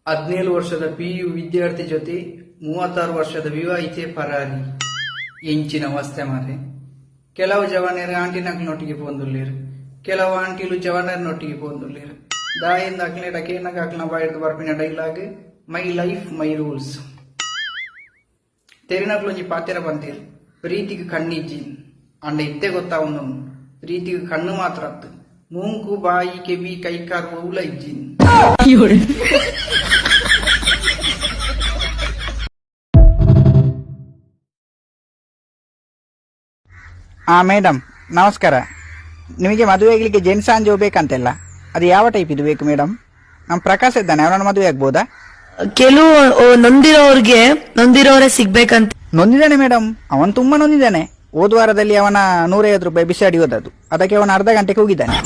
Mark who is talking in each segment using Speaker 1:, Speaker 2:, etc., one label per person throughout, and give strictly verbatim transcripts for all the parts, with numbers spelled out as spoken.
Speaker 1: ಹದಿನೇಳು ವರ್ಷದ ಪಿಯು ವಿದ್ಯಾರ್ಥಿ ಜೊತೆ ಮೂವತ್ತಾರು ವರ್ಷದ ವಿವಾಹಿತೆ ಪರಾರಿ ಎಂಚಿನ ಅವಸ್ಥೆ ಮಾರೆ. ಕೆಲವು ಜವಾನರು ಆಂಟಿನಕ್ನೊಟ್ಟಿಗೆ ಪೋಂದುಲ್ಲೇರು, ಕೆಲವು ಆಂಟಿಲು ಜವಾನರ್ನೊಟ್ಟಿಗೆ ಪೋಂದುಲ್ಲೇರು. ದಾಯಿಂದ ಅಕ್ಲೆ ಡಕೇನಗ ಅಕ್ಲ ಬಾಯ್ದು ಬರ್ಪಿನ dialogue my life my rules. ತೆರಿನಕ್ಲೊಂಜಿ ಪಾತೆರ ಬಂತೀರು, ಪ್ರೀತಿಗೆ ಕಣ್ಣಿಜ್ಜಿ ಅಂಡ ಇತ್ತೆ ಗೊತ್ತಾವನು, ಪ್ರೀತಿಗೆ ಕಣ್ಣು ಮಾತ್ರ ಅತ್ತು, ಮೂಂಕು ಬಾಯಿ ಕೆಬಿ ಕೈಕಾರ್ ಊಲ ಇಜ್ಜಿನ್.
Speaker 2: ಹಾ ಮೇಡಮ್ ನಮಸ್ಕಾರ. ನಿಮಗೆ ಮದುವೆ ಆಗ್ಲಿಕ್ಕೆ ಜೆಂಟ್ಸ್ ಆಂಜೋ ಬೇಕಂತೆಲ್ಲ, ಅದು ಯಾವ ಟೈಪ್ ಇದು ಬೇಕು ಮೇಡಮ್? ನಮ್ ಪ್ರಕಾಶ್ ಇದ್ದಾನೆ, ಅವನನ್ನು ಮದುವೆ ಆಗ್ಬೋದಾ?
Speaker 3: ಕೆಲವು ನೊಂದಿರೋರ್ಗೆ ನೊಂದಿರೋರೇ ಸಿಗ್ಬೇಕಂತ.
Speaker 2: ನೊಂದಿದ್ದಾನೆ ಮೇಡಮ್, ಅವನ್ ತುಂಬಾ ನೊಂದಿದ್ದಾನೆ. ಹೋದ ವಾರದಲ್ಲಿ ಅವನ ನೂರೈವತ್ತು ರೂಪಾಯಿ ಬಿಸಾಡಿ ಹೋದದ್ದು, ಅದಕ್ಕೆ ಅವನ ಅರ್ಧ ಗಂಟೆಗೆ ಹೋಗಿದ್ದಾನೆ.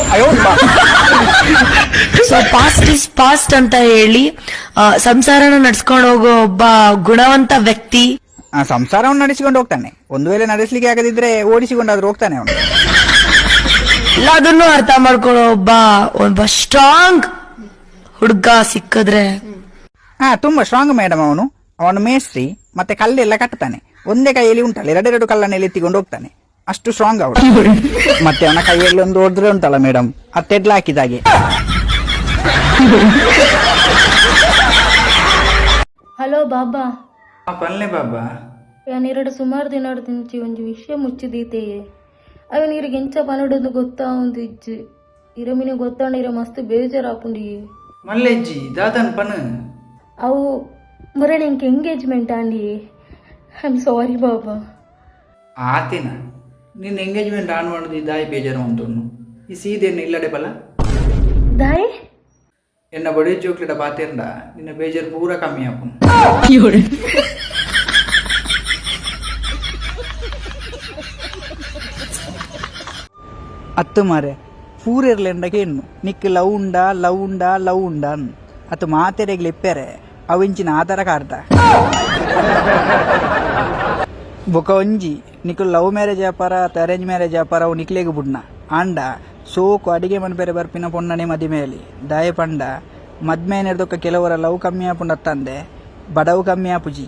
Speaker 3: ಸೊ ಪಾಸ್ಟ್ ಇಸ್ ಪಾಸ್ಟ್ ಅಂತ ಹೇಳಿ ಸಂಸಾರನ ನಡ್ಸ್ಕೊಂಡು ಹೋಗೋ ಒಬ್ಬ ಗುಣವಂತ ವ್ಯಕ್ತಿ
Speaker 2: ಆ ಸಂಸಾರವನ್ನು ನಡೆಸಿಕೊಂಡು ಹೋಗ್ತಾನೆ. ಒಂದು ವೇಳೆ ನಡೆಸಲಿಕ್ಕೆ ಆಗದಿದ್ರೆ ಓಡಿಸಿಕೊಂಡಾದ್ರೂ ಹೋಗ್ತಾನೆ ಅವನು.
Speaker 3: ಎಲ್ಲದನ್ನು ಅರ್ಥ ಮಾಡ್ಕೊಳ್ಳೋ ಒಬ್ಬ ಒಬ್ಬ ಸ್ಟ್ರಾಂಗ್ ಹುಡುಗ ಸಿಕ್ಕಿದ್ರೆ.
Speaker 2: ಹಾ ತುಂಬಾ ಸ್ಟ್ರಾಂಗ್ ಮೇಡಮ್ ಅವನು. ಅವನು ಮೇಸ್ತ್ರಿ, ಮತ್ತೆ ಕಲ್ಲೆಲ್ಲ ಕಟ್ತಾನೆ. ಒಂದೇ ಕೈಯಲ್ಲಿ ಉಂಟಲ್ಲ, ಎರಡೆರಡು ಕಲ್ಲನ್ನೆಲ್ಲ ಎತ್ತಿಕೊಂಡು ಹೋಗ್ತಾನೆ, ಅಷ್ಟು ಸ್ಟ್ರಾಂಗ್ ಅವನು. ಮತ್ತೆ ಅವನ ಕೈಯಲ್ಲಿ ಒಂದು ಹೊಡೆದ್ರೆ ಉಂಟಲ್ಲ ಮೇಡಮ್, ಅತ್ತೆಡ್ಲ ಹಾಕಿದಾಗೆ.
Speaker 4: ಹಲೋ ಬಾಬಾ.
Speaker 1: ಪಲ್ಲೆ ಬಾಬಾ,
Speaker 4: ಯಾನಿರಡು ಸುಮಾರು ದಿನ ದಿಂಚಿ ಒಂಜಿ ವಿಷಯ ಮುಚ್ಚಿದೀತೆಯೇ. ಅವ ನೀರಿಗೆ ಎಂಚ ಪನಡೊಂದು ಗೊತ್ತಾ ಒಂದು ಇಜ್ಜಿ ಇರಮಿನ ಗೊತ್ತಾಂಡ ಇರ ಮಸ್ತ್ ಬೇಜಾರಾಪುಂಡಿ.
Speaker 1: ಮಲ್ಲೆಜ್ಜಿ ದಾದನ್ ಪನ
Speaker 4: ಅವು ಮರಣ ಇಂಕ ಎಂಗೇಜ್ಮೆಂಟ್ ಆಂಡಿ. ಐ ಆಮ್ ಸಾರಿ ಬಾಬಾ.
Speaker 1: ಆತೇನ ನಿನ್ನ ಎಂಗೇಜ್ಮೆಂಟ್ ಆನ್ ಮಾಡುದು ದಾಯಿ ಬೇಜಾರು ಅಂತನು ಈ ಸೀದೆಯನ್ನು ಇಲ್ಲಡೆ ಬಲ
Speaker 4: ದಾಯ್
Speaker 1: ಎನ್ನ ಬಡಿ ಚೋಕ್ಲೆಟ ಪಾತೇರ್ಡ ನಿನ್ನ ಬೇಜಾರು ಪೂರ ಕಮ್ಮಿ ಆಪುನು.
Speaker 2: ಅತ್ತು ಮಾರೆ ಪೂರೆರ್ಲೆಂಡಗೆ ಹೆಣ್ಣು ನಿಕ್ ಲವ್ ಉಂಡಾ ಲವ್ ಉಂಡಾ ಲವ್ ಉಂಡಾ ಅತ್ತು ಮಾತೆರೆಗ್ಲಿ ಇಪ್ಪೆರೆ ಅವಿಂಚಿನ ಆಧಾರ ಕಾರ್ಡ ಬೊಕ ಒಂಜಿ ನಿಕ್ ಲವ್ ಮ್ಯಾರೇಜ್ ವ್ಯಾಪಾರ ಅತ್ತು ಅರೇಂಜ್ ಮ್ಯಾರೇಜ್ ವ್ಯಾಪಾರ ಅವು ನಿಕ್ಲೇಗ ಬುಡ್ನ ಆಂಡ ಸೋಕು ಅಡಿಗೆ ಮನ್ಪೆರೆ ಬರ್ಪಿನ ಪೊಣ್ಣನೆ ಮದಿಮೇಲಿ ದಾಯ ಪಂಡ ಮದ್ಮೇನೆರ್ದೊಕ್ಕ ಕೆಲವರ ಲವ್ ಕಮ್ಮಿ ಆಪುಂಡ ತಂದೆ ಬಡವು ಕಮ್ಮಿ ಆಪುಜಿ.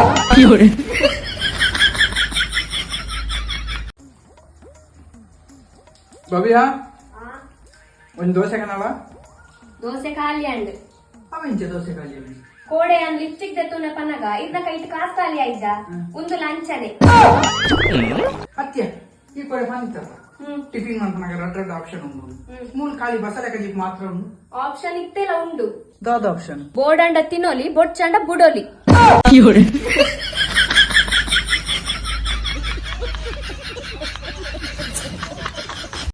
Speaker 1: ಬಬಿಯಾ ಒಂದು ದೋಸೆ ಕಣವ
Speaker 5: ದೋಸೆ ಖಾಲಿ ಅಂಡ್
Speaker 1: ಅವೆಂಚ ದೋಸೆ ಖಾಲಿ
Speaker 5: ಕೋಡೆ ಅಂದ್ ಲಿಪ್ಸ್ಟಿಕ್ ದೆತ್ತುನ ಪನ್ನಗ ಇದ್ನ ಕೈಟ್ ಕಾಸ್ ಖಾಲಿ ಆಯ್ದ ಒಂದು ಲಂಚನೆ
Speaker 1: ಅತ್ಯ ಈ ಕೊಡೆ ಪಂತ ಟಿಫಿನ್ ಮಾಡ್ಪನಾಗ ರಡ್ ರಡ್ ಆಪ್ಷನ್ ಉಂಡು ಮೂಲ್ ಖಾಲಿ ಬಸಳೆ ಕಜಿ ಮಾತ್ರ ಉಂಡು
Speaker 5: ಆಪ್ಷನ್ ಇತ್ತೆಲ್ಲ ಉಂಡು.
Speaker 1: ದಾದ ಆಪ್ಷನ್
Speaker 5: ಬೋರ್ಡ್ ಅಂಡ ತಿನ್ನೋಲಿ ಬೊಡ್ಚಂಡ ಬುಡೋಲಿ.